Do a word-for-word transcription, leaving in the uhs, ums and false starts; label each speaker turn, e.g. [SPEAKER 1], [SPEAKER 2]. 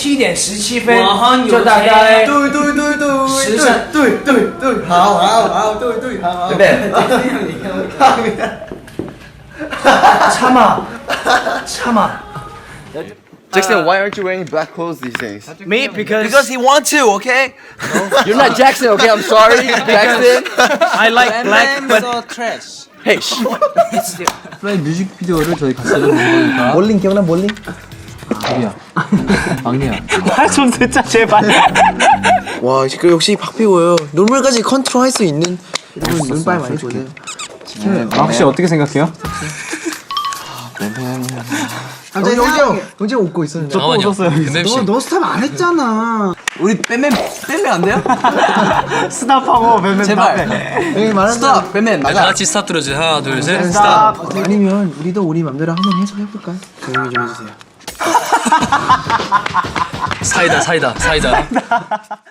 [SPEAKER 1] 七点十七分，就大概
[SPEAKER 2] 对对对对
[SPEAKER 1] 十三
[SPEAKER 2] 对对对，好好好，对对好，对不对？
[SPEAKER 1] 참아, 참아.
[SPEAKER 3] Jackson, why aren't you wearing black clothes these days?
[SPEAKER 1] Me because
[SPEAKER 4] Because he wants to, okay?
[SPEAKER 3] You're not Jackson, okay? I'm sorry, Jackson.
[SPEAKER 1] I like black, but
[SPEAKER 4] trash.
[SPEAKER 3] Hey, shh.
[SPEAKER 5] 플라이 뮤직비디오를 저희 같이 찍은 거니까.
[SPEAKER 2] 몰링 기억나 몰링?
[SPEAKER 5] 우리야. 막내야.
[SPEAKER 1] 좀 듣자 제발.
[SPEAKER 4] 와, 그 역시 박피고요. 눈물까지 컨트롤할 수 있는.
[SPEAKER 2] 여러분 눈발 많이 보세요.
[SPEAKER 5] 막 씨 어떻게 생각해요?
[SPEAKER 2] 갑자기 영재 영재 웃고 있었는데.
[SPEAKER 5] 또 웃었어요.
[SPEAKER 2] 너, 너 스탑 안 했잖아.
[SPEAKER 4] 우리 뱀뱀 뱀뱀 안 돼요?
[SPEAKER 5] 스탑하고 뱀뱀
[SPEAKER 4] 제발.
[SPEAKER 2] 여기 말하는
[SPEAKER 4] 스탑 뱀뱀
[SPEAKER 6] 다
[SPEAKER 4] 나가.
[SPEAKER 6] 같이 스탑 들어주세요. 하나, 둘, 셋.
[SPEAKER 2] 스탑. 아니면 우리도 우리 맘대로 한번 해석해볼까요? 조용히 좀 해주세요.
[SPEAKER 6] 사이다, 사이다, 사이다.